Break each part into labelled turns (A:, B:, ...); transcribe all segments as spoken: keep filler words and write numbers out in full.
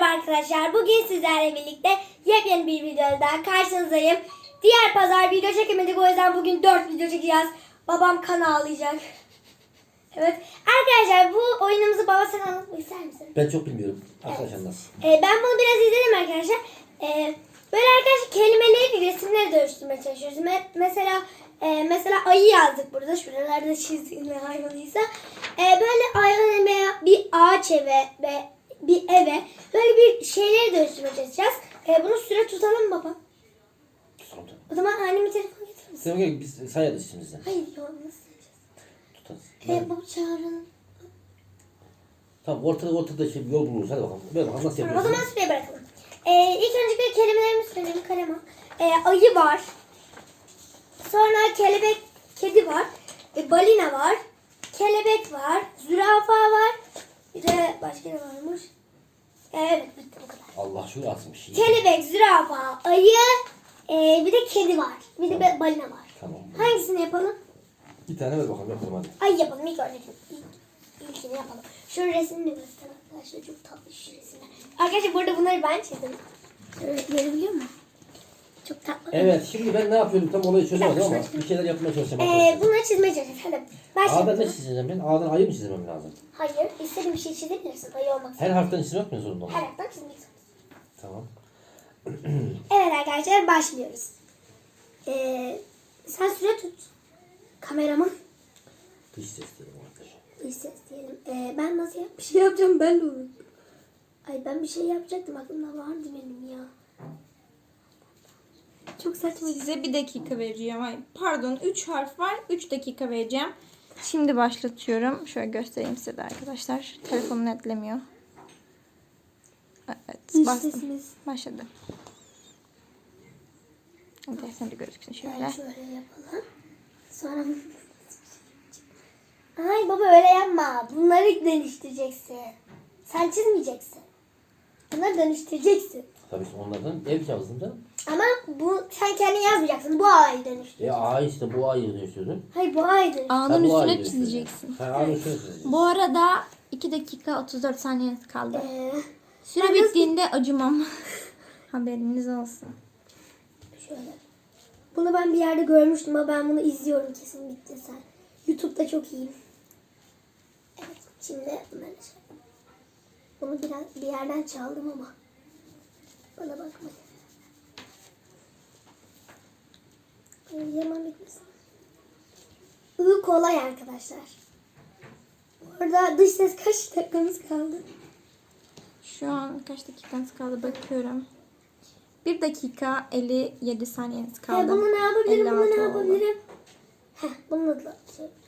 A: arkadaşlar. Bugün sizlerle birlikte yepyeni bir videoda daha karşınızdayım. Diğer pazar video çekemedik, o yüzden bugün dört video çekeceğiz. Babam kan ağlayacak. Evet. Arkadaşlar bu oyunumuzu baba sen anlatmak ister misin?
B: Ben çok bilmiyorum. Arkadaşlar nasıl?
A: Ee, ben bunu biraz izledim arkadaşlar. Ee, böyle arkadaşlar kelimeleri resimleri dönüştürmeye çalışıyoruz. Me- mesela e, mesela ayı yazdık burada. Şuralarda çizdiğim hayvanıysa. Ee, böyle hayvan veya bir ağaç eve ve bir eve böyle bir şeyleri dönüştürmeye çalışacağız. Ee, bunu süre tutalım baba.
B: Tutalım tabii.
A: O zaman annemi telefon getirir misin?
B: Sen gel biz sayarız içimizden.
A: Hayır ya nasıl yapacağız?
B: Tutarız.
A: Ee, baba çağıralım.
B: Tamam ortada ortada şey bir yol buluruz. Hadi bakalım. Böyle bakalım nasıl
A: Tamam, o
B: yapıyorsun?
A: zaman süreye bırakalım. Ee, ilk öncelikle kelimelerimi söyleyeyim kalema. Ee, ayı var. Sonra kelebek, kedi var. E, balina var. Kelebek var. Zürafa var. Bir de başka ne varmış? Ee, evet bitti bu kadar.
B: Allah şunu atmış.
A: Kelebek, zürafa, ayı, e, bir de kedi var. Bir de be- balina var.
B: Tamam.
A: Hangisini yapalım?
B: Bir tane ver bakalım yapalım hadi.
A: Ay yapalım ilk önce. İlk, ilkini yapalım. Şu resmini de göster arkadaşlar. Çok tatlı şu resimler. Arkadaşlar burada bunları ben çizdim. Şöyle görebiliyor musun? Çok tatlı.
B: Evet şimdi ben ne yapıyorum tam olayı çözemedim ama
A: Arkadaşlar.
B: bir şeyler yapmaya çalışacağım
A: Ee,
B: arkadaşlar.
A: bunları çizmeye çalışacağız. Hadi.
B: Ağdan ne
A: Başlayalım.
B: çizeceğim ben? Ağdan ayı mı çizmem lazım?
A: Hayır. İstediğin bir şey çizebilirsin. Ayı olmak için.
B: Her harften çizmek mi zorunda
A: Her
B: olmalı?
A: hafta çizmek zorundasın.
B: Tamam.
A: Evet arkadaşlar başlıyoruz. Ee, sen süre tut. Kameraman.
B: Dış ses diyelim arkadaşlar.
A: Bir ses diyelim. Ee, ben nasıl yap? Bir şey yapacağım ben de unuttum. Ay ben bir şey yapacaktım. Aklımda vardı benim ya. Çok saçma.
C: Size bir dakika vereceğim. Ay, pardon üç harf var. üç dakika vereceğim. Şimdi başlatıyorum. Şöyle göstereyim size de arkadaşlar. Telefonu netlemiyor. Evet.
A: Dış
C: Bastım.
A: sesimiz.
C: Başladı. Evet, sen de gözüksün şöyle.
A: Ben şöyle yapalım. Sonra ay baba öyle yapma. Bunları dönüştüreceksin. Sen çizmeyeceksin. Bunları dönüştüreceksin.
B: Tabii ki onlardan ev yazdım da.
A: Ama bu sen kendin yazmayacaksın. Bu ağayı dönüştür.
B: E ağ işte bu ayı dönüştürdüm.
A: Hayır bu ağayı dönüştür.
C: Ağın
B: Ha, bu ayı
C: üstüne
B: dönüştürdüm.
C: çizeceksin.
B: Ha ağın üstüne çizeceğim.
C: Bu arada iki dakika otuz dört saniyeniz kaldı.
A: Ee,
C: Süre
A: ben nasıl-
C: bittiğinde acımam. Haberiniz olsun.
A: şöyle. Bunu ben bir yerde görmüştüm ama ben bunu izliyorum kesin bitti sen. YouTube'da çok iyiyim. Evet şimdi bunları şey. Bunu biraz bir yerden çaldım ama. Bana bakma. Yaman bitmesin. I kolay arkadaşlar. Orada dış ses kaç dakikamız kaldı?
C: Şu an kaç dakikanız kaldı bakıyorum. bir dakika elli yedi saniyeniz kaldı.
A: He, bunu ne yapabilirim? Bunu
C: elli
A: ne
C: altı oldu.
A: yapabilirim? Heh, bununla da şey yapacağım.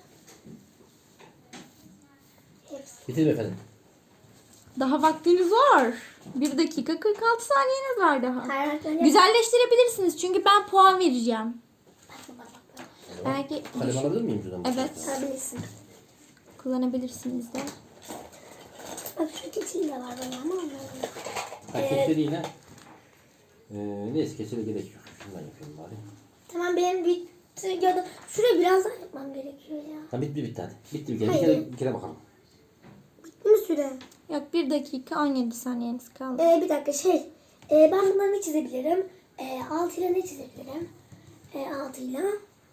A: Hepsi.
B: Bitir efendim.
C: Daha vaktiniz var. bir dakika kırk altı saniyeniz var daha.
A: Her harften
C: Güzelleştirebilirsiniz çünkü ben puan vereceğim. Belki
B: Kalem alabilir miyim şuradan?
C: evet
A: yapabilirsin.
C: kullanabilirsiniz de.
A: Bak şu keçili de var bana ama onları.
B: Ha, keçeliyle. Ee, neyse keçeli gerek yok. Şundan yapıyorum bari.
A: Tamam benim bitti ya da şurayı biraz daha yapmam gerekiyor ya.
B: Ha bitti bitti hadi. Bitti bir kere. Bir
A: Hayır.
B: kere, bir kere bakalım.
A: Bitti mi süre?
C: Yok bir dakika on yedi saniyeniz kaldı.
A: Ee, bir dakika şey. Ee, ben bunları ne çizebilirim? Ee, altı ile ne çizebilirim? Ee, altı ile.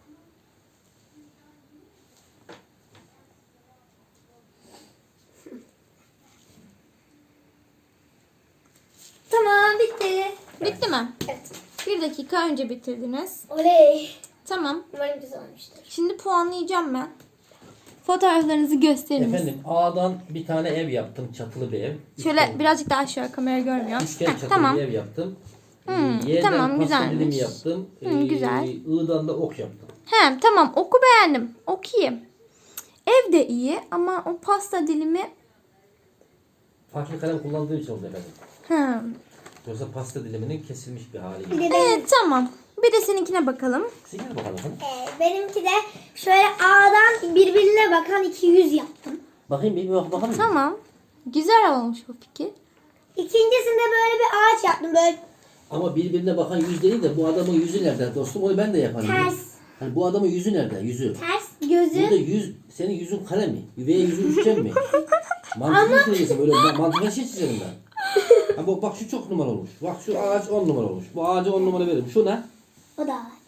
A: Tamam bitti.
C: Bitti mi?
A: Evet.
C: Bir dakika önce bitirdiniz.
A: Oley.
C: Tamam.
A: Umarım güzel olmuştur.
C: Şimdi puanlayacağım ben. Fotoğraflarınızı gösteriniz.
B: Efendim A'dan bir tane ev yaptım. Çatılı bir ev.
C: Şöyle
B: Üçgen-
C: birazcık daha aşağı kamera görmüyor.
B: Üçgen
C: Heh,
B: çatılı
C: tamam.
B: bir ev yaptım.
C: Hmm,
B: Ee, Y'den
C: tamam,
B: pasta
C: güzelmiş.
B: dilimi yaptım.
C: Hmm,
B: Ee,
C: güzel.
B: I'dan da ok yaptım.
C: He tamam oku beğendim. Okuyayım. Ev de iyi ama o pasta dilimi
B: Farklı kalem kullandığım için oldu efendim.
C: hı.
B: Yoksa pasta diliminin kesilmiş bir hali.
A: Bir de benim,
C: Evet tamam. Bir de seninkine bakalım.
B: Siz gel bakalım efendim.
A: Ee, benimki de şöyle A'dan birbirine bakan iki yüz yaptım.
B: Bakayım bir bak bakalım.
C: Tamam. Güzel olmuş bu fikir.
A: İkincisinde böyle bir ağaç yaptım. Böyle
B: Ama birbirine bakan yüz değil de bu adamın yüzü nerede dostum? Onu ben de yaparım.
A: ters.
B: Hani bu adamın yüzü nerede? Yüzü.
A: Ters gözü.
B: Burada yüz, senin yüzün kare mi? Veya yüzün üçgen mi? Mantıklı çizeceksin böyle. Ben mantıklı şey çizerim ben. Ha, bu, bak şu çok numara olmuş. Bak şu ağaç on numara olmuş. Bu ağaca on numara veririm. Şu ne?
A: O da ağaç.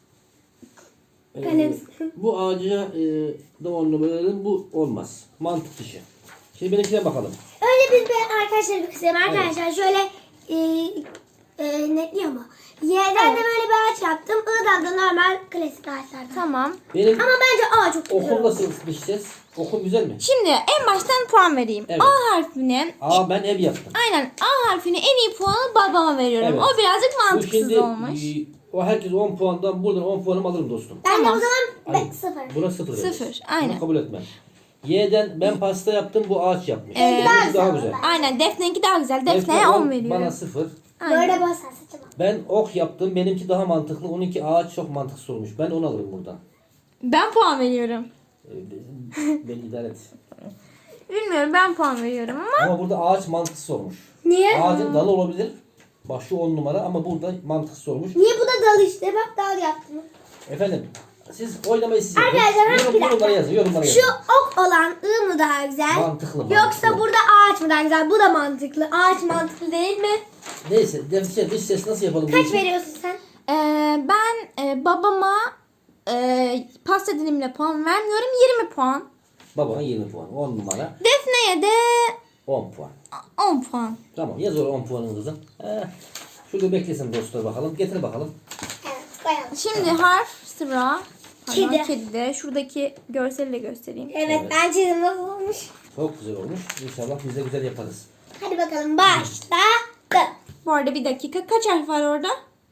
B: Ee,
A: Kalem.
B: bu ağaca e, da on numara veririm. Bu olmaz. Mantık dışı. Şimdi benimkine bakalım.
A: Önce biz bir arkadaşlar bir kısayım. Arkadaşlar şöyle e, e, netli ama. Y'den de böyle bir ağaç yaptım. I'dan da normal klasik ağaçlardan.
C: Tamam.
B: Benim
A: Ama bence A çok güzel.
B: okum
A: oldu.
B: nasıl dişeceğiz? Okum güzel mi?
C: Şimdi en baştan puan vereyim.
B: Evet.
C: A harfine
B: Aa ben ev yaptım.
C: aynen A harfine en iyi puanı babama veriyorum.
B: Evet.
C: O birazcık
B: Bu
C: mantıksız
B: şimdi
C: olmuş.
B: e, o herkes on puandan buradan on puanımı alırım dostum.
A: Ben
C: Tamam.
A: de o zaman
B: Ay,
A: be, sıfır.
B: Buna sıfır. veririz.
C: Sıfır, aynen.
B: Bunu kabul etmem. Y'den ben pasta yaptım, bu ağaç yapmış.
C: Evet.
B: Benimki daha
A: Daha
B: güzel.
A: güzel.
C: Aynen Defne'ninki daha güzel.
B: Defne
C: Defne'ye
B: on,
C: on veriyorum.
B: Bana sıfır.
C: Aynen.
A: Böyle basar saçıma.
B: Ben ok yaptım, benimki daha mantıklı. Onunki ağaç çok mantıksız olmuş. Ben onu alırım buradan.
C: Ben puan veriyorum.
B: Ee, Beni idare et.
C: Bilmiyorum ben puan veriyorum ama
B: Ama burada ağaç mantıksız olmuş.
A: Niye?
B: Ağacın dalı olabilir. Bak şu on numara ama burada mantıksız olmuş.
A: Niye bu da dal işte? Bak dal yaptım.
B: Efendim, siz oynamayı siz yapın.
A: Arkadaşlar,
B: Yorum-
A: bir dakika.
B: yorumlara yazın, yorumlara
A: Şu
B: yazın.
A: ok olan I mı daha güzel?
B: Mantıklı, mantıklı.
A: Yoksa burada ağaç mı daha güzel? Bu da mantıklı. Ağaç mantıklı değil mi?
B: Neyse, defter, dış ses nasıl yapalım? bu
A: Kaç
B: işi?
A: veriyorsun sen?
C: e, ben e, babama e, pasta dilimine puan vermiyorum. yirmi puan.
B: Babana yirmi puan, on numara,
C: Defne'ye de
B: on puan.
C: on puan.
B: Tamam, yaz oraya on puanın kızım. Eh, şurada beklesin dostlar bakalım. Getir bakalım.
A: Evet koyalım.
C: Şimdi harf sıra.
A: Kedi.
C: Pardon, kedide. Şuradaki görseli de göstereyim.
A: Evet,
B: Evet.
A: ben çizim nasıl olmuş?
B: Çok güzel olmuş. İnşallah biz de güzel yaparız.
A: Hadi bakalım başladı.
C: Bu arada bir dakika. Kaç harf var orada?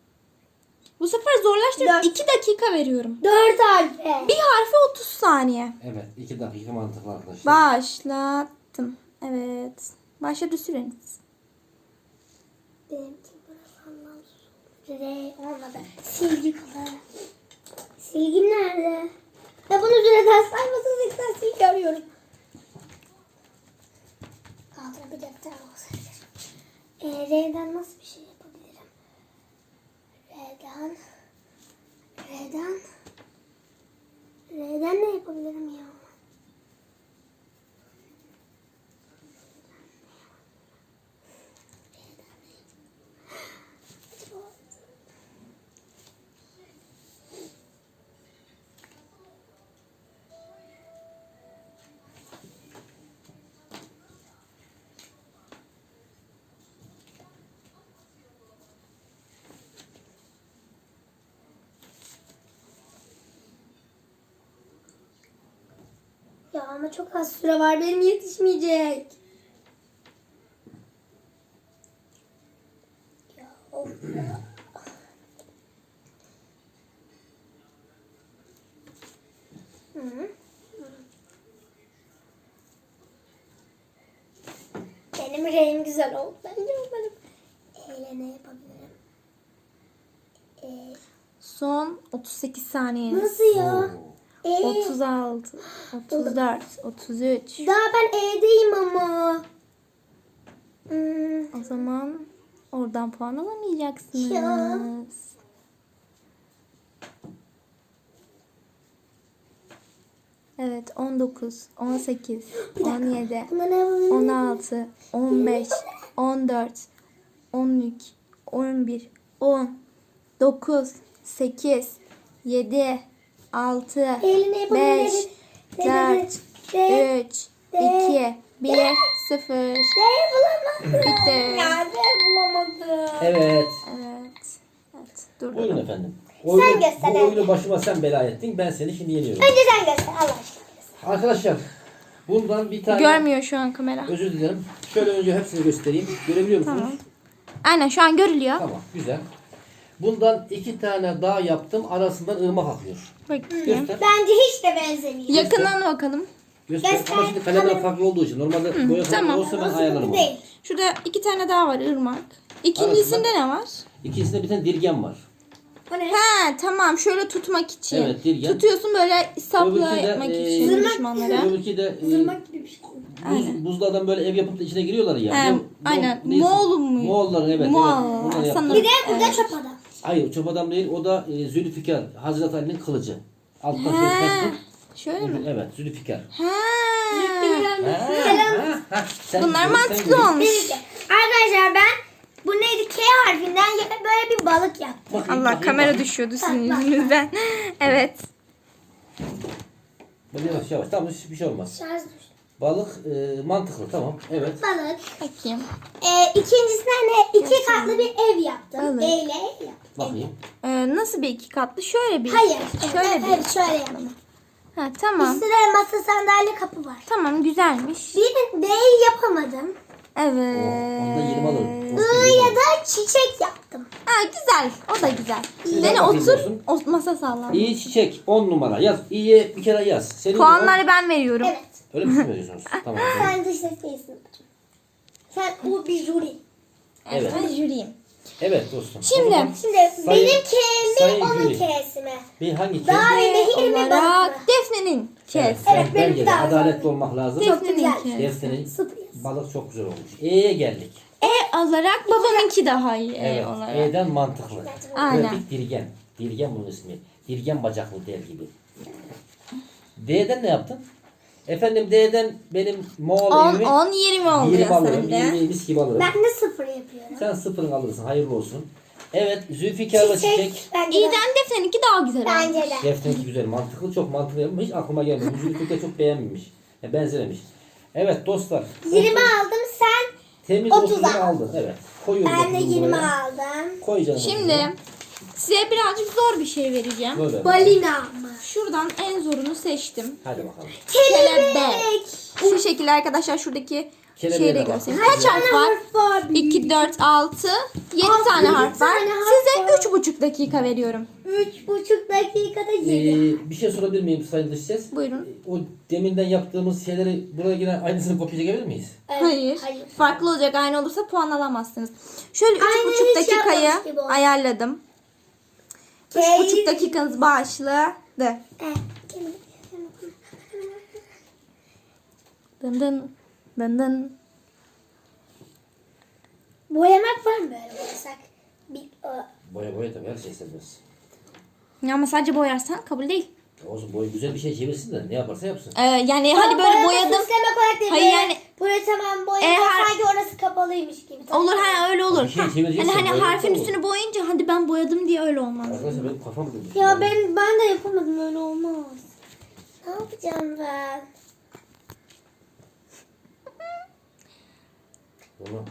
C: Bu sefer zorlaştırdım.
A: Dört.
C: iki dakika veriyorum.
A: Dört harfi.
C: Bir harfe otuz saniye.
B: Evet, iki dakika mantıklı arkadaşlar.
C: Başlattım. Evet. Başladı süreniz.
A: Benimki burası anlamsız. R olmadı. Silgi kadar. Silgim nerede? Ya bunu süreden saymasın sen silgi arıyorum. Kaldırabilecek taraf olsaydı. E, R'den nasıl bir şey yapabilirim? R'den R'den R'den ne yapabilirim ya? Ya ama çok az süre var, benim yetişmeyecek. Ya of ya. Hı. Benim rengim güzel oldu. Bence umarım. Eyle ne yapabilirim? E,
C: Son otuz sekiz saniyeniz.
A: nasıl ya? E,
C: otuz altı, otuz dört, otuz üç.
A: daha ben E'deyim ama. Hmm.
C: O zaman oradan puan alamayacaksınız.
A: Ya.
C: Evet, on dokuz, on sekiz, on yedi,
A: Buna ne yapabilirim?
C: on altı, on beş, on dört, on üç, on bir, on, dokuz, sekiz, yedi, altı,
A: Eyle ne yapabilirim?
C: beş,
A: De, de,
C: dört,
A: de, de.
C: üç, iki, bir, sıfır.
A: De bulamadım.
C: Bitti.
A: Ya de bulamadım.
B: Evet.
C: Evet. Evet. Dur.
B: Buyurun efendim. Oyunu,
A: göster,
B: bu
A: hadi.
B: oyunu başıma sen bela ettin. Ben seni şimdi yeniyorum.
A: Önce sen göster Allah aşkına.
B: Arkadaşlar, bundan bir tane
C: Görmüyor şu an kamera.
B: özür dilerim. Şöyle önce hepsini göstereyim. Görebiliyor musunuz?
C: Tamam. Aynen şu an görülüyor.
B: Tamam, güzel. Bundan iki tane daha yaptım. Arasından ırmak akıyor.
C: Bakayım.
B: Göster.
A: Bence hiç de benzemiyor.
C: Yakından bakalım.
B: Göster.
A: Göster.
B: Ama şimdi kalemler farklı olduğu için. Normalde boya farklı
C: tamam.
B: olsa ben
A: Nasıl
B: ayarlarım onu.
A: değil.
C: Şurada iki tane daha var ırmak. İkincisinde ne var?
B: İkincisinde bir tane dirgen var.
A: O ne?
C: He tamam şöyle tutmak için.
B: Evet, dirgen.
C: Tutuyorsun böyle sapla
B: Öbürkü de,
C: yapmak
B: e,
C: için
B: Zırnak-
C: düşmanlara.
B: Öbürkü de e,
A: Zırmak gibi bir şey.
B: buz, buzlu adam böyle ev yapıp da içine giriyorlar ya.
C: He,
B: Ne- ne-
C: aynen.
B: neyse.
C: Moğol mu?
B: Moğolların evet.
C: Moğol,
B: evet. Bunları yaptım.
C: sanırım.
A: Bir de burada
C: Evet.
A: çöp adam.
B: Hayır, çöp adam değil. O da e, Zülfikar. Hazreti Ali'nin kılıcı. Alttan şöyle
C: He.
B: kestim.
C: Şöyle mi?
B: Evet, Zülfikar.
C: He.
B: Ha, ha, ha. Sen-
C: Bunlar
B: sen
C: mantıklı
B: görün.
C: olmuş.
A: Neyse. Arkadaşlar ben Ben ya- böyle bir balık yaptım.
B: Bakayım,
C: Allah
B: bakayım,
C: kamera
B: bakayım.
C: düşüyordu sizin
A: Bak, bak,
C: yüzünüzden. Evet.
B: Böyle yavaş yavaş. Tamam bir şey olmaz.
A: Şarj düştü.
B: Balık e, mantıklı tamam. Evet.
A: Balık.
C: Bakayım.
A: Ee, ikincisine ne? İki katlı bir ev yaptım.
C: Balık.
A: E ile ev yaptım.
B: Bakayım.
C: Ee, nasıl bir iki katlı? Şöyle bir.
A: Hayır.
C: Şöyle
A: evet,
C: bir.
A: evet, şöyle yaptım.
C: Ha, tamam.
A: Üstüne masa sandalye kapı var.
C: Tamam güzelmiş.
A: Bir D'yi yapamadım.
C: Evet.
B: O, onda yirmi alırım.
A: I ya da çiçek yaptım.
C: Ha, güzel. O da güzel.
B: Güzel
C: Dene
B: bakayım
C: otur.
B: olsun.
C: O, masa sallan.
B: İyi çiçek on numara yaz. İyiye bir kere yaz. Senin
C: Puanları ben veriyorum.
A: Evet.
B: o- öyle mi söylüyorsunuz? Tamam. tamam.
A: Sen dış ses değilsin. Sen o bir jüri.
B: Evet.
C: Ben jüriyim.
B: Evet dostum.
C: Şimdi-
B: O zaman
A: Şimdi
B: Sayın-
A: benim K'mi
B: sayın
A: onun
B: jüri.
A: K'si mi?
B: bir hangi
A: Daha
B: kez?
A: ve nehir mi balık
C: Olarak
A: mı?
C: Defne'nin kes.
B: Evet,
A: Evet,
B: ben,
A: benim
B: bence de
A: daha
B: adaletli
A: güzel.
B: olmak lazım.
A: Çok
C: Defne'nin
A: güzel.
C: kes.
B: Defne'nin
A: Sıfır.
B: balık çok güzel olmuş. E'ye geldik.
C: E olarak babamınki daha iyi E
B: Evet.
C: olarak.
B: E'den mantıklı.
C: Aynen.
B: Pratik dirgen. Dirgen bunun ismi. Dirgen bacaklı der gibi. D'den ne yaptın? Efendim D'den benim Moğol
C: on,
B: evimi
C: on, yirmi oluyor
B: yirmi alırım.
C: sende.
B: yirmi mis gibi alırım.
A: Ben de sıfır yapıyorum.
B: Sen sıfırını alırsın. Hayırlı olsun. Evet. Zülfikar'la çiçek.
A: Çiçek. Bence de.
C: İyiden Defne'ninki daha güzel olmuş.
A: Bence de.
B: Defne'ninki güzel. Mantıklı. Çok mantıklı yapmış. Hiç aklıma gelmedi. Zülfikar çok beğenmemiş. Ya, benzememiş. Evet dostlar.
A: yirmi aldım sen.
B: Temiz
A: otuz
B: otuzunu
A: al.
B: aldın. Evet. Koyuyorum
A: Ben de
B: otuzunu
A: yirmi
B: buraya.
A: aldım.
B: Koy canım.
C: Şimdi size birazcık zor bir şey vereceğim.
B: Böyle.
A: Balina mı?
C: Şuradan en zorunu seçtim.
B: Hadi bakalım.
C: Kelebek. Şu şekilde arkadaşlar şuradaki
B: Kelebeğe
C: şeyi de
B: de bak.
C: göstereyim. Kaç harf var?
A: var?
C: iki, dört, altı, yedi tane
A: yedi
C: harf var.
A: tane harf
C: Size
A: var.
C: üç buçuk dakika veriyorum.
A: Üç buçuk dakikada
B: Ee,
A: yedi.
B: bir şey sorabilir miyim sayın dış ses?
C: Buyurun.
B: O deminden yaptığımız şeyleri buraya yine aynısını kopya çekebilir miyiz?
A: Evet,
C: Hayır.
A: hayır.
C: Farklı olacak. Aynı olursa puan alamazsınız. Şöyle üç
A: Aynen,
C: buçuk
A: hiç
C: dakikayı
A: yapmamış gibi oldu.
C: ayarladım. Üç
A: Keyif.
C: buçuk dakikanız başladı.
A: Eh, kelime.
C: Dın dın. Dın dın.
A: Boyamak var mı böyle boyasak? Bir, o-
B: Boya boya tabii her şey serbest.
C: Ya ama sadece boyarsan kabul değil.
B: Olsun boy güzel bir şey çevirsin de ne yaparsa yapsın.
C: Ee, yani hani
A: Ama
C: böyle
A: boyama
C: boyadım.
A: süslemek olarak değil.
C: Hayır,
A: böyle-
C: yani-
A: Böyle tamam boyadım.
C: E, har-
A: sanki orası kapalıymış gibi.
C: Olur ha öyle olur.
B: Bir şey
C: Ha,
B: çevireceksin,
C: hani hani
B: boyamak
C: harfin
B: olur.
C: üstünü boyayınca hadi ben boyadım diye öyle olmaz.
B: Arkadaşlar benim kafam dönüyor.
A: Ya ben ben de yapamadım öyle olmaz. Ne yapacağım ben?
B: Bunu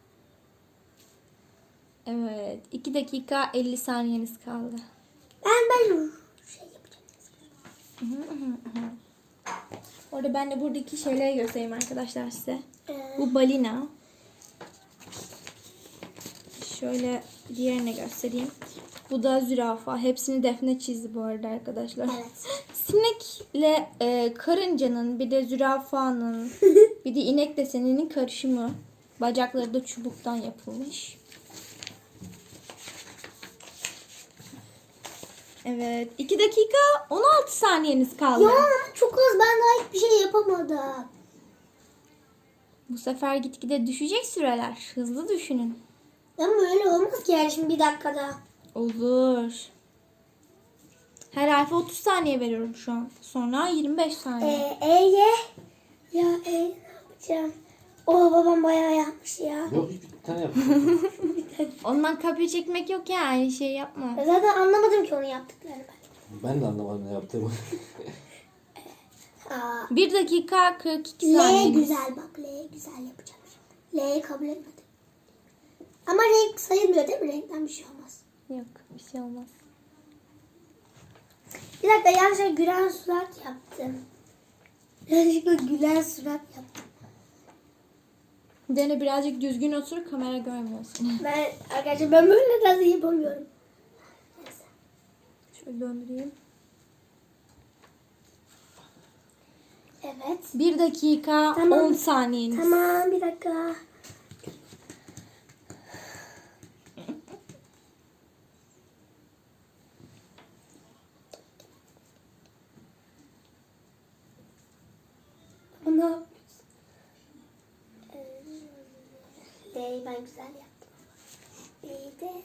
C: Evet. iki dakika elli saniyeniz kaldı.
A: Ben ben şey yapacağım.
C: Orada ben de buradaki şeyleri göstereyim arkadaşlar size.
A: Ee,
C: Bu balina. Şöyle diğerini göstereyim. Bu da zürafa. Hepsini Defne çizdi bu arada arkadaşlar.
A: Evet.
C: Sinekle e, karıncanın bir de zürafanın bir de inek deseninin karışımı. Bacakları da çubuktan yapılmış. Evet. iki dakika on altı saniyeniz kaldı.
A: Ya çok az, ben daha hiçbir şey yapamadım.
C: Bu sefer gitgide düşecek süreler. Hızlı düşünün.
A: Ama öyle olmaz ki yani şimdi bir dakikada.
C: Olur. Her harfe otuz saniye veriyorum şu an. Sonra yirmi beş saniye.
A: Ee, E'ye ya E ne yapacağım? O babam bayağı yapmış ya.
B: yok bir tane yap.
C: Ondan kopya çekmek yok ya. Aynı şey yapma.
A: Ya zaten anlamadım ki onu yaptıklarını ben.
B: Ben de anlamadım ne yaptığımı.
A: Aa,
C: bir dakika kırk iki
A: L
C: saniye.
A: güzel bak, L güzel yapacağım şimdi. L'yi kabul etmedim. Ama renk sayılmıyor değil mi? Renkten bir şey olmaz.
C: Yok bir şey olmaz.
A: Bir dakika, yanlışlıkla gülen surat yaptım. Yanlışlıkla gülen surat yaptım.
C: Dene birazcık düzgün otur, kamera görmüyorsun.
A: Ben arkadaşlar ben böyle nasıl yapamıyorum. Neyse.
C: Şöyle döndüreyim.
A: Evet.
C: bir dakika
A: Tamam.
C: on saniyeniz.
A: Tamam, bir dakika. Bunu yapıyoruz. Ee, L'yi ben güzel yaptım. L'yi de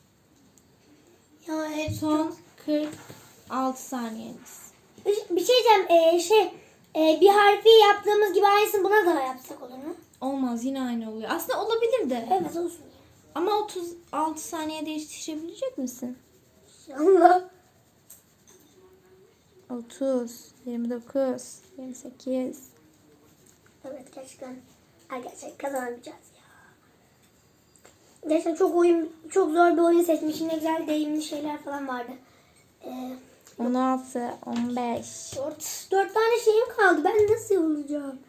A: ya hep
C: Son kırk altı saniyeniz.
A: Bir bir şey diyeceğim. Ee, şey e, bir harfi yaptığımız gibi aynısını buna da yapsak olur mu?
C: Olmaz, yine aynı oluyor. Aslında olabilir de.
A: Evet, olsun.
C: Ama otuz altı saniyede yetiştirebilecek misin?
A: Allah.
C: otuz, yirmi dokuz, yirmi sekiz.
A: Evet gerçekten arkadaşlar kazanamayacağız ya. Gerçekten çok oyun çok zor bir oyun seçmişim. Ne güzel deyimli şeyler falan vardı. Ee,
C: on altı, on beş.
A: dört, dört tane şeyim kaldı. Ben nasıl olacağım?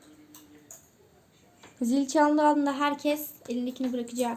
C: Zil çaldığı anda herkes elindekini bırakacak.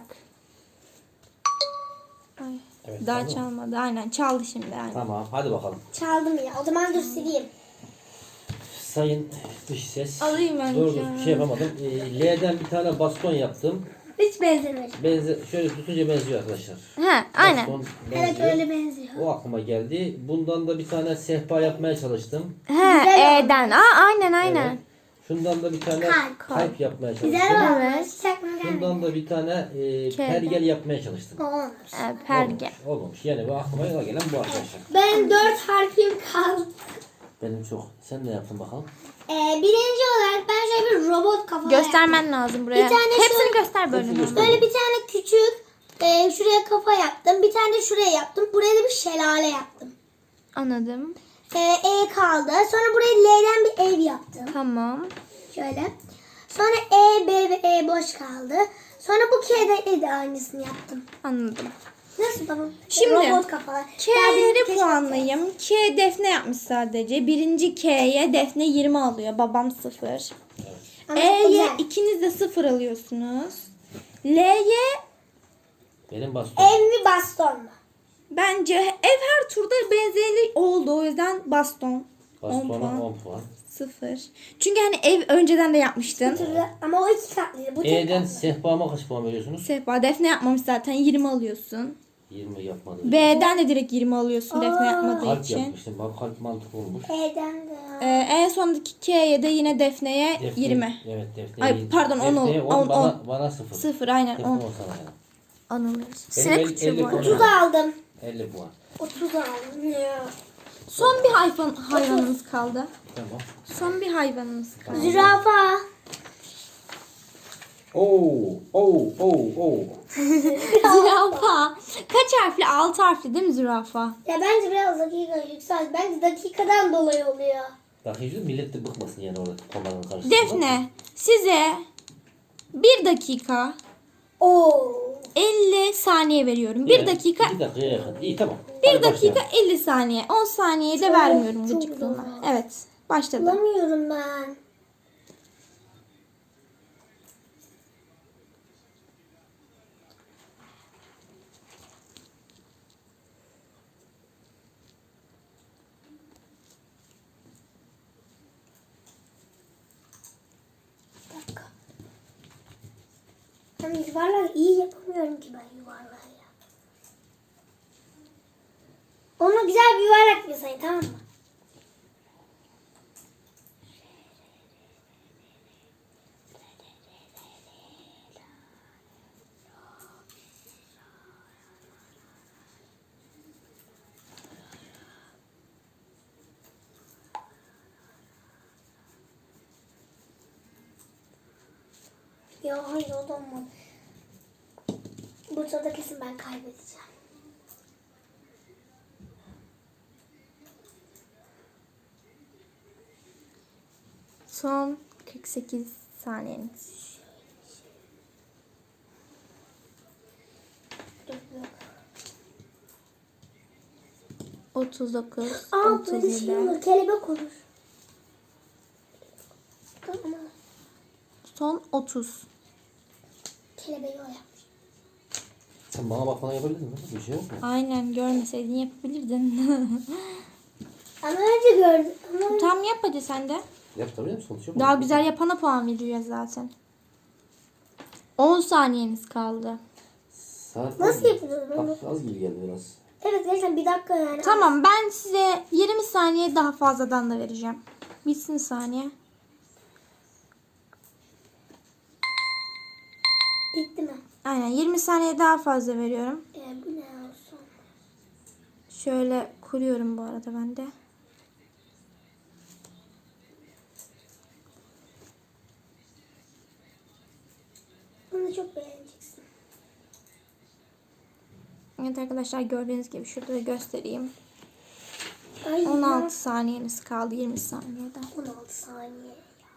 C: Ay,
B: Evet,
C: daha
B: çaldı mı?
C: çalmadı. Aynen çaldı şimdi. Aynen.
B: Tamam hadi bakalım.
A: Çaldım ya. O zaman dur sileyim.
B: Sayın dış ses.
C: Alayım ben
B: Doğru
C: ya.
B: bir şey yapamadım. Ee, L'den bir tane baston yaptım.
A: Hiç benzemedi.
B: Benze şöyle tutunca benziyor arkadaşlar.
C: He, aynen.
B: Baston
A: Evet
B: benziyor.
A: öyle benziyor.
B: O aklıma geldi. Bundan da bir tane sehpa yapmaya çalıştım.
C: He,
A: Güzel
C: E'den. Aa, aynen aynen.
B: Evet. Şundan da bir tane
A: Kalp.
B: kalp, yapmaya çalıştım.
A: Güzel olmuş.
C: Evet.
A: Hiç aklıma gelmedi.
B: Şundan da bir tane e,
C: K'den.
B: pergel yapmaya çalıştım.
A: Olmamış.
C: E, perge.
B: Olmamış, olmamış. Yani bu aklıma gelen bu arkadaşlar.
A: Ben dört harfim kaldı.
B: Benim çok. Sen ne yaptın bakalım?
A: Ee, birinci olarak ben şöyle bir robot kafa yaptım.
C: Göstermen lazım buraya.
A: Bir tane
C: Hepsini
A: şöyle-
C: göster böyle.
B: Hepsini göster.
A: Böyle bir tane küçük e, şuraya kafa yaptım. Bir tane de şuraya yaptım. Buraya da bir şelale yaptım.
C: Anladım.
A: E, E kaldı. Sonra buraya L'den bir ev yaptım.
C: Tamam.
A: Şöyle. Sonra E, B ve E boş kaldı. Sonra bu K'de E de aynısını yaptım.
C: Anladım.
A: Nasıl babam?
C: Şimdi,
A: Robot kafalar.
C: K'leri puanlayayım. K Defne yapmış sadece. Birinci K'ye Defne yirmi alıyor. Babam sıfır.
A: Ama
C: E'ye
A: güzel.
C: ikiniz de sıfır alıyorsunuz. L'ye
B: Benim baston.
A: Ev mi baston mu?
C: bence ev her turda benzerli oldu. O yüzden baston. on
B: Bastona
C: puan.
B: on puan.
C: Sıfır. Çünkü hani ev önceden de yapmıştın.
A: Türlü- Ama o iki katlıydı. Bu tek
B: E'den
A: katlı.
B: sehpama kaç puan veriyorsunuz?
C: Sehpa Defne yapmamış zaten yirmi alıyorsun.
B: yirmi yapmadım.
C: B'den de direkt yirmi alıyorsun Defne yapmadığı
B: Kalp
C: için.
B: yapmıştım. Bak kalp mantıklı olmuş.
A: E'den de.
C: Ee, en sondaki K'ye de yine Defne'ye
B: Defne-
C: yirmi.
B: Evet Defne.
C: Ay, pardon, on ol-
B: Defne'ye
C: on,
B: bana,
C: on.
B: bana sıfır.
C: Sıfır aynen
B: Defne
C: on.
B: on sana yani.
C: Anılır.
B: Benim
C: Sinek
B: el-
C: küçüğü
B: elli
C: bu arada.
B: puan.
A: otuz aldım.
B: elli puan.
A: otuz aldım ya.
C: Son bir hayvan, hayvanımız kaldı.
B: Tamam.
C: Son bir hayvanımız kaldı.
A: Zürafa.
B: Oo, oo, oo, oo.
C: Zürafa. Kaç harfli? Altı harfli değil mi zürafa?
A: Ya bence biraz dakika yüksel. Bence dakikadan dolayı oluyor.
B: Bak hiç millet de bıkmasın yani orada komandanın karşısında.
C: Defne size bir dakika
A: Oo.
C: elli saniye veriyorum. Bir
B: Evet,
C: dakika
B: iki dakikaya yakın. İyi tamam.
C: bir
B: Hadi
C: dakika
B: başlayalım.
C: elli saniye. on saniye de
A: Çok-
C: vermiyorum
A: çok
C: gıcıklığına.
A: zor.
C: Evet. Başladı.
A: Bulamıyorum ben. Bir dakika. Ben yuvarlak iyi yapamıyorum ki ben yuvarlağı ya. Ona güzel bir yuvarlak yapsayın tamam mı? Ya hayır o da olmadı. Bu turda kesin ben kaybedeceğim.
C: Son kırk sekiz saniyeniz.
A: Dur, dur.
C: otuz dokuz,
A: Aa
C: otuz
A: böyle şey
C: yedi.
A: olur. Kelebek olur. Tamam.
C: Son otuz.
A: Kelebeği o yapmış.
B: Sen bana bakmadan yapabilir misin? Bir şey yok mu?
C: Aynen görmeseydin yapabilirdin.
A: Ama önce gördüm. Ama
C: Tam yap hadi sen de.
B: Yap tabii mi? Sonuç yok mu?
C: Daha güzel yapana puan vereceğiz zaten. on saniyeniz kaldı.
B: Saat
A: Nasıl
B: az-
A: yapıyoruz bunu?
B: Az, az gibi geldi biraz.
A: evet gerçekten bir dakika yani.
C: Tamam ben size yirmi saniye daha fazladan da vereceğim. Bitsin saniye.
A: Bitti mi?
C: Aynen yirmi saniye daha fazla veriyorum.
A: Ee, bu ne olsun?
C: Şöyle kuruyorum bu arada ben de.
A: Bunu çok beğeneceksin.
C: Evet arkadaşlar gördüğünüz gibi şurada da göstereyim.
A: Ay,
C: on altı saniyeniz kaldı yirmi saniyede.
A: on altı saniye.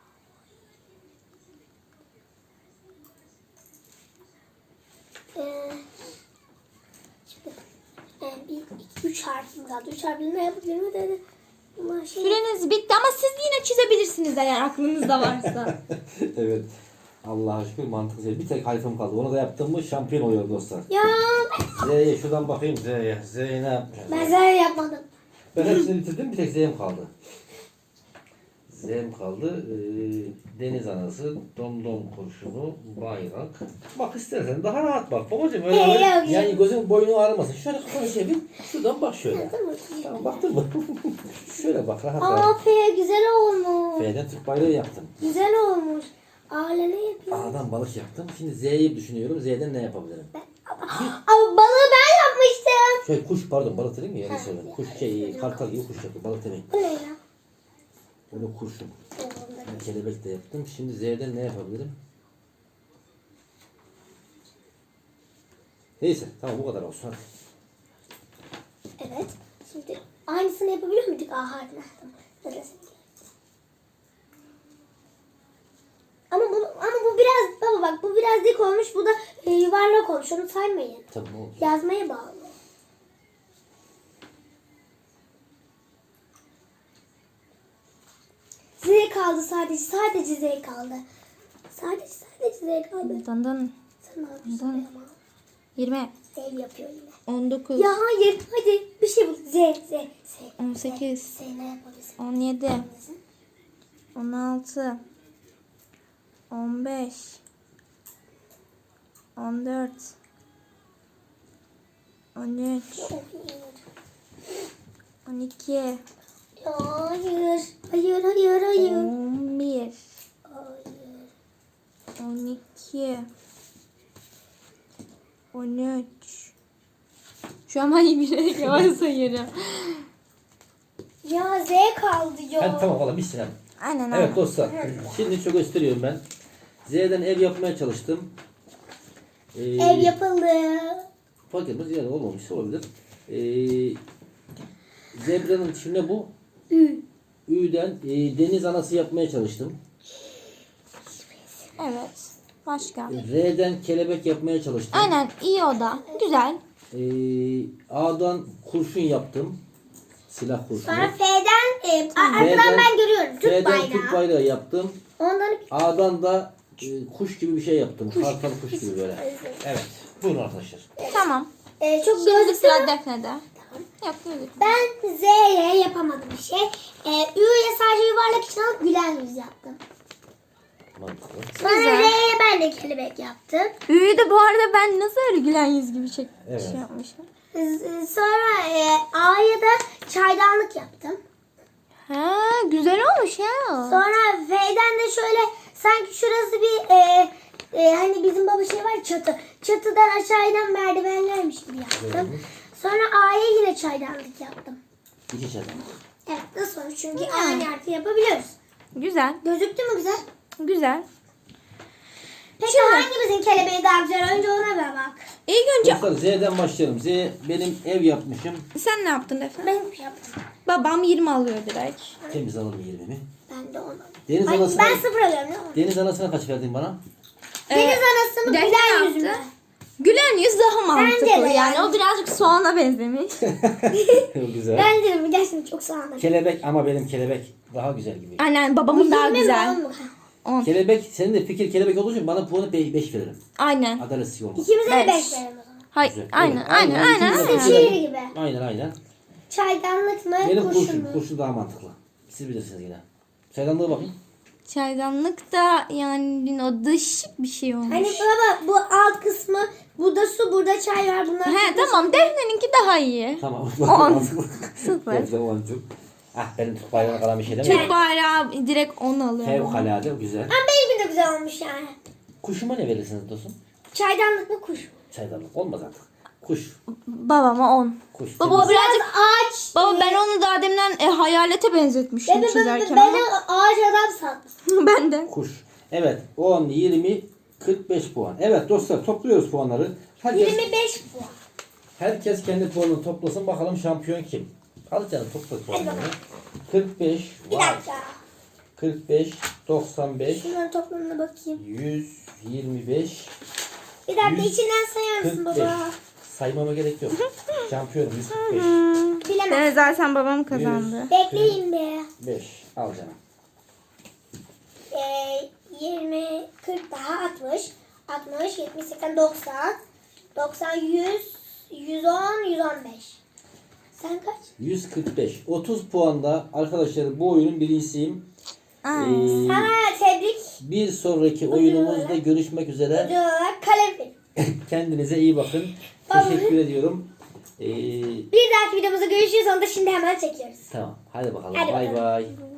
A: Ee, şimdi e, bir, iki, üç harfim kaldı. Üç harfle ne yapabilirim dedi. Ama şey,
C: Süreniz bitti ama siz yine çizebilirsiniz eğer aklınızda varsa.
B: Evet. Allah'a şükür mantıklı. Bir tek harfim kaldı. Onu da yaptım mı şampiyon oluyor dostlar.
A: ya
B: Z'ye şuradan bakayım Z'ye. Z'ye ne yapacağım?
A: ben zaten yapmadım.
B: Ben hepsini bitirdim. Bir tek Z'm kaldı. Z'm kaldı. Ee, deniz anası, domdom kurşunu, bayrak. Bak istersen daha rahat bak. Babacığım öyle
A: Ee,
B: öyle-
A: yok,
B: yani
A: yok.
B: gözün boynu ağrımasın. Şöyle kafanı çevir. Şuradan bak şöyle.
A: Değil mi?
B: Tamam baktın mı? Şöyle bak rahat rahat.
A: Aa F güzel olmuş.
B: F'den Türk bayrağı yaptım.
A: Güzel olmuş. Ağla ne yapayım?
B: A'dan balık yaptım. Şimdi Z'yi düşünüyorum. Z'den ne yapabilirim?
A: Ama balığı ben yapmıştım.
B: Şey kuş pardon balık dedim mi? Yanlış
A: Ha,
B: söyledim.
A: ya,
B: Kuş şey
A: ya.
B: kartal gibi kuş yaptım. Balık demeyin.
A: Bu ne ya?
B: Bunu kurşun. Kelebek de yaptım. Şimdi Z'den ne yapabilirim? Neyse tamam bu kadar olsun hadi.
A: Evet. Şimdi aynısını yapabiliyor muyduk A harfine? Tamam. Neresi? Ama bu ama bu biraz baba bak bu biraz dik olmuş. Bu da e, yuvarlak olmuş. Onu saymayın.
B: Tamam oldu.
A: Yazmaya bağlı. Z kaldı sadece. Sadece Z kaldı. Sadece sadece Z kaldı.
C: Dın dın.
A: Sen ne yapıyorsun
C: Dın.
A: ama?
C: yirmi,
A: Ev yapıyor yine.
C: on dokuz,
A: Ya hayır hadi bir şey bul. Z Z Z.
C: on sekiz,
A: Z ne yapabilirsin?
C: on yedi, on altı, on beş, on dört, on üç, on iki,
A: Ya hayır. Hayır hayır hayır.
C: on bir,
A: Hayır.
C: on iki, on üç. Şu an ben bilerek yavaş sayıyorum.
A: Ya Z kaldı ya.
B: Hadi tamam valla bitsin hadi.
C: Aynen aynen.
B: Evet dostlar. Şimdi çok gösteriyorum ben. Z'den ev yapmaya çalıştım. Ee,
A: Ev yapıldı.
B: Fark etmez yani olmamış olabilir. Ee, zebranın şimdi bu.
A: Ü.
B: Ü'den e, deniz anası yapmaya çalıştım.
C: Evet. Başka.
B: R'den kelebek yapmaya çalıştım.
C: Aynen iyi o da. Güzel.
B: Ee, A'dan kurşun yaptım. Silah kurşunu.
A: Sonra F'den e, a- arkadan
B: F'den-
A: ben görüyorum. Türk
B: F'den
A: bayrağı.
B: Türk bayrağı yaptım.
A: Ondan
B: A'dan da e, kuş gibi bir şey yaptım. Kartal kuş gibi böyle. Evet. Buyurun arkadaşlar.
C: Tamam.
A: e, çok
C: Şimdi
A: gözlü
C: sıra Defne'de. Yok gözlük.
A: Ben Z'ye yapamadım bir şey. E, Ü'ye sadece yuvarlak için alıp gülen yüz yaptım.
B: Mantıklı.
A: Sonra
C: Güzel.
A: R'ye ben de kelebek yaptım.
C: Üyü de bu arada ben nasıl öyle gülen yüz gibi şey,
B: Evet.
C: şey yapmışım.
A: Z- Sonra e, A'ya da çaydanlık yaptım.
C: Ha güzel olmuş ya.
A: Sonra F'den de şöyle sanki şurası bir e, e, hani bizim baba şey var ya, çatı. Çatıdan aşağı inen merdivenlermiş gibi yaptım. Sonra A'ya yine çaydanlık yaptım.
B: İki çatal.
A: Evet nasıl olmuş? Çünkü
C: Hmm.
A: aynı yerde yapabiliyoruz.
C: Güzel.
A: Gözüktü mü güzel?
C: Güzel.
A: Peki
C: Şimdi-
A: hangimizin kelebeği daha güzel? Önce ona bir bak.
C: İlk önce
B: Dostlar Z'den başlayalım. Z benim ev yapmışım.
C: sen ne yaptın Defne?
A: Ben yaptım.
C: Babam yirmi alıyor direkt.
B: Temiz alalım yirmimi.
A: Ben de onu.
B: Deniz
A: Ay,
B: anasına,
A: ben sıfır alıyorum değil mi?
B: deniz anasına kaç verdin bana?
C: Ee,
A: Deniz anası mı
C: Defne
A: gülen
C: yaptı.
A: yüzü mü?
C: Gülen yüz daha mantıklı.
A: de
C: Yani
A: yani.
C: o birazcık soğana benzemiş.
B: Güzel.
A: Ben de gerçekten çok sağlam.
B: Kelebek ama benim kelebek daha güzel gibi.
C: Aynen babamın daha
A: Yirmi mi,
C: güzel.
A: on mu?
C: on.
B: Kelebek, senin de fikir kelebek olduğu için bana puanı beş veririm.
C: Aynen.
B: Adaletsiz olmaz.
A: İkimize de
C: Beş.
A: beş verelim o zaman.
C: Hay,
B: Güzel.
C: aynen,
B: Evet,
C: aynen,
B: aynen.
C: aynen,
B: İkimiz de
C: aynen.
B: beş verelim.
A: Şiir gibi.
B: Aynen aynen.
A: Çaydanlık mı?
B: Benim
A: kurşun
B: kurşun,
A: mu?
B: kurşun daha mantıklı. Siz bilirsiniz yine. Çaydanlığa bakın.
C: Çaydanlık da yani o dışık bir şey olmuş.
A: Hani baba bu alt kısmı, bu da su, burada çay var. Bunlar
C: He tamam Defne'ninki daha iyi.
B: Tamam.
C: On.
B: Mantıklı.
C: Sıfır.
B: Güzel on çok. Ah benim Türk bayrağına kalan bir şey değil mi?
C: Türk bayrağı direkt on alıyor.
B: Fevkalade güzel.
A: Ama benimki de güzel olmuş yani.
B: Kuşuma ne verirsiniz dostum?
A: Çaydanlık mı kuş?
B: Çaydanlık olmaz artık. Kuş.
C: Babama on.
B: Kuş.
C: Baba
B: temiz.
C: o birazcık
A: Ağaç.
C: Baba ben onu daha demden e, hayalete benzetmiştim
A: Ben, ben, ben,
C: çizerken
A: ben
C: ama.
A: ağaç adam sandım.
C: Ben de.
B: Kuş. Evet. on, yirmi, kırk beş puan. Evet dostlar topluyoruz puanları. Herkes,
A: yirmi beş puan.
B: Herkes kendi puanını toplasın. Bakalım şampiyon kim? Al canım topla puanını.
A: bakalım.
B: kırk beş.
A: Bir
B: Vay.
A: dakika.
B: kırk beş. doksan beş.
A: Şunların toplamına bakayım.
B: yüz yirmi beş.
A: Bir dakika
B: Yüz
A: içinden sayar mısın
B: kırk beş.
A: baba?
B: Saymama gerek yok. Şampiyon yüz kırk beş.
A: Bilemem.
C: Evet, zaten babam kazandı.
A: Bekleyin be.
B: beş. Al canım.
A: Ee, yirmi, kırk daha altmış. altmış, yetmiş, seksen, doksan. doksan, yüz, yüz on, yüz on beş. Sen kaç?
B: yüz kırk beş. otuz puanda arkadaşlar bu oyunun birincisiyim.
C: Aa.
B: Ee,
A: Sana tebrik.
B: bir sonraki oyunumuzda görüşmek üzere.
A: Ödül olarak kalem film.
B: Kendinize iyi bakın.
A: Tamam.
B: Teşekkür ediyorum. Ee,
A: Bir dahaki videomuzda görüşürüz. Onu da şimdi hemen çekiyoruz.
B: tamam. Hadi bakalım.
A: Hadi
B: Bay
A: bakalım.
B: bay.